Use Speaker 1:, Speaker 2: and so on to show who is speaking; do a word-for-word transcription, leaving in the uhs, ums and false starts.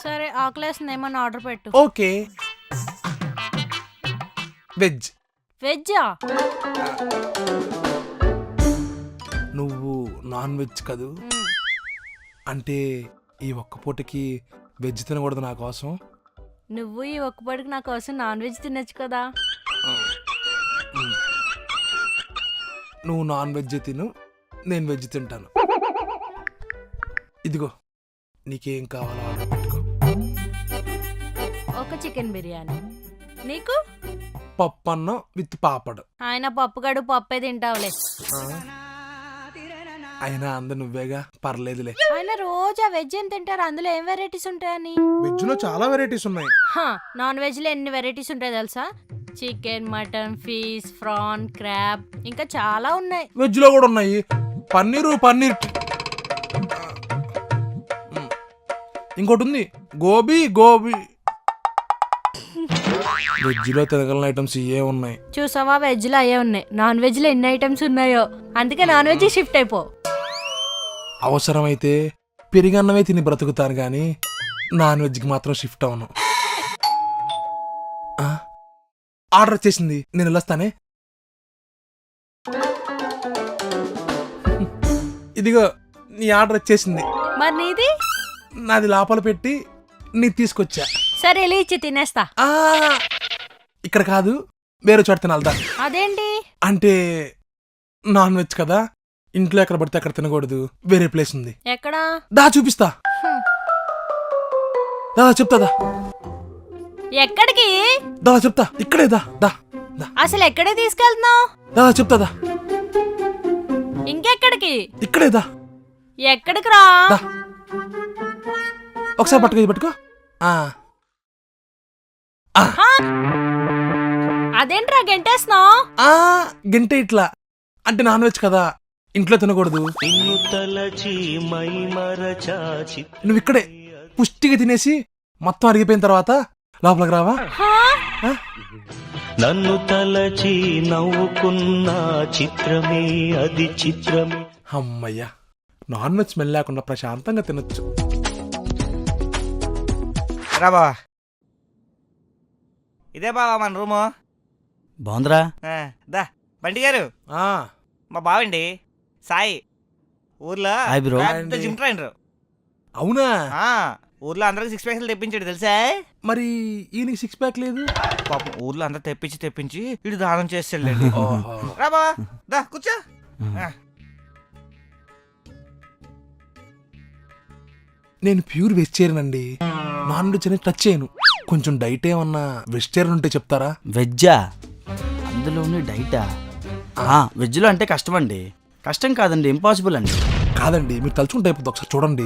Speaker 1: సరే ఆకలేస్తుంది ఏమన్నా ఆర్డర్ పెట్టు.
Speaker 2: ఓకే. వెజ్.
Speaker 1: వెజ్జా?
Speaker 2: నువ్వు నాన్ వెజ్ కదూ, అంటే ఈ ఒక్క పూటకి వెజ్ తినకూడదు నా కోసం?
Speaker 1: నువ్వు ఈ ఒక్కపాటికి నా కోసం నాన్ వెజ్ తినొచ్చు కదా.
Speaker 2: నువ్వు నాన్ వెజ్ తిను, నేను వెజ్ తింటాను. ఇదిగో నీకేం కావాలో ఆర్డర్ పెట్టుకో.
Speaker 1: ఒక చికెన్ బిర్యానీ. నీకు?
Speaker 2: పప్పు అన్నం విత్ పాపడు.
Speaker 1: ఆయన పప్పుగాడు పప్పే తింటావులే.
Speaker 2: అయినా అందరు నువ్వేగా, పర్లేదులే.
Speaker 1: ఆయన రోజు ఆ వెజ్ ఏం తింటారు, అందులో ఏం వెరైటీస్ ఉంటాయని?
Speaker 2: వెజ్ లో చాలా వెరైటీస్ ఉన్నాయి.
Speaker 1: నాన్ వెజ్ లో ఎన్ని వెరైటీస్ ఉంటాయి తెలుసా? Chicken, mutton, fish, prawn, crab, ఇంకా చాలా ఉన్నాయి.
Speaker 2: వెజ్ లో కూడా ఉన్నాయి. పన్నీరు, పన్నీర్, ఇంకోటి ఉంది గోబీ. గోబీ వెజ్ లో తినగలిగిన ఐటమ్స్ ఇవే ఉన్నాయి.
Speaker 1: చూసావా, వెజ్ లో అయ్యే ఉన్నాయి. నాన్ వెజ్ లో ఎన్ని ఐటమ్స్ ఉన్నాయో. అందుకే నాన్ వెజ్ షిఫ్ట్ అయిపో.
Speaker 2: అవసరమైతే పెరిగన్నమే తిని బ్రతుకుతాను గాని నాన్ వెజ్ కి మాత్రం షిఫ్ట్ అవను. ఆర్డర్ వచ్చేసింది, నేను వెళ్ళొస్తానే. ఇదిగో నీ ఆర్డర్ వచ్చేసింది.
Speaker 1: మరి నీది?
Speaker 2: నాది లోపల పెట్టి నీ తీసుకొచ్చా.
Speaker 1: సరే వెళ్ళి ఇచ్చి తినేస్తా.
Speaker 2: ఆ ఇక్కడ కాదు, వేరే చోట తినాలదా?
Speaker 1: అదేంటి?
Speaker 2: అంటే నాన్ వెజ్ కదా, ఇంట్లో ఎక్కడ పడితే అక్కడ తినకూడదు. వేరే ప్లేస్ ఉంది.
Speaker 1: ఎక్కడా?
Speaker 2: దా చూపిస్తా. దా చెప్తాదా?
Speaker 1: ఎక్కడికి?
Speaker 2: దా చెప్తా, ఇక్కడే. దా దా దా.
Speaker 1: అసలు ఎక్కడే తీసుకెళ్తున్నావు?
Speaker 2: దా చెప్తాదా?
Speaker 1: ఇంకెక్కడికి?
Speaker 2: ఇక్కడే. దా.
Speaker 1: ఎక్కడికి రా?
Speaker 2: దా. ఒకసారి పట్టుకో, ఇది పట్టుకో.
Speaker 1: అదేంట్రా గెంటేస్తున్నావు?
Speaker 2: గంటే ఇట్లా అంటే నాన్ వెజ్ కదా, ఇంట్లో తినకూడదు. నువ్వు ఇక్కడే పుష్టిగా తినేసి మొత్తం అరిగిపోయిన తర్వాత లోపలికి రావా?
Speaker 3: నన్ను తలచి నవ్వుకున్న చిత్రమే అది చిత్రమే.
Speaker 2: అమ్మయ్యా, నాన్ వెజ్ స్మెల్ లేకుండా ప్రశాంతంగా తినొచ్చు.
Speaker 4: రా బావా, ఇదే బావా మన రూము.
Speaker 5: బాగుందిరా.
Speaker 4: దా బంటి గారు, మా బావండి సాయి. ఊర్లో పెద్ద జిమ్ ట్రైనర్.
Speaker 2: అవునా?
Speaker 4: ఊర్లో అందరికి సిక్స్ ప్యాక్లు తెప్పించాడు తెలుసా?
Speaker 2: మరి ఈయనకి సిక్స్ ప్యాక్ లేదు.
Speaker 4: పాపం ఊర్లో అందరు తెప్పించి తెప్పించి ఇటు దానం చేస్తాడు. రా బావా, దా కూర్చో.
Speaker 2: నేను ప్యూర్ వెజిటేరియన్ అండి, నాన్ వెజ్ అనేది టచ్ చేయను. కొంచెం డైట్ ఏమన్నా వెజిటేరియన్ ఉంటే చెప్తారా?
Speaker 5: వెజ్జా? అందులోని డైటా? వెజ్లో అంటే కష్టం అండి. కష్టం కాదండి, ఇంపాసిబుల్ అండి.
Speaker 2: కాదండి, మీరు తలుచుకుంటే అయిపోతుంది. ఒకసారి చూడండి.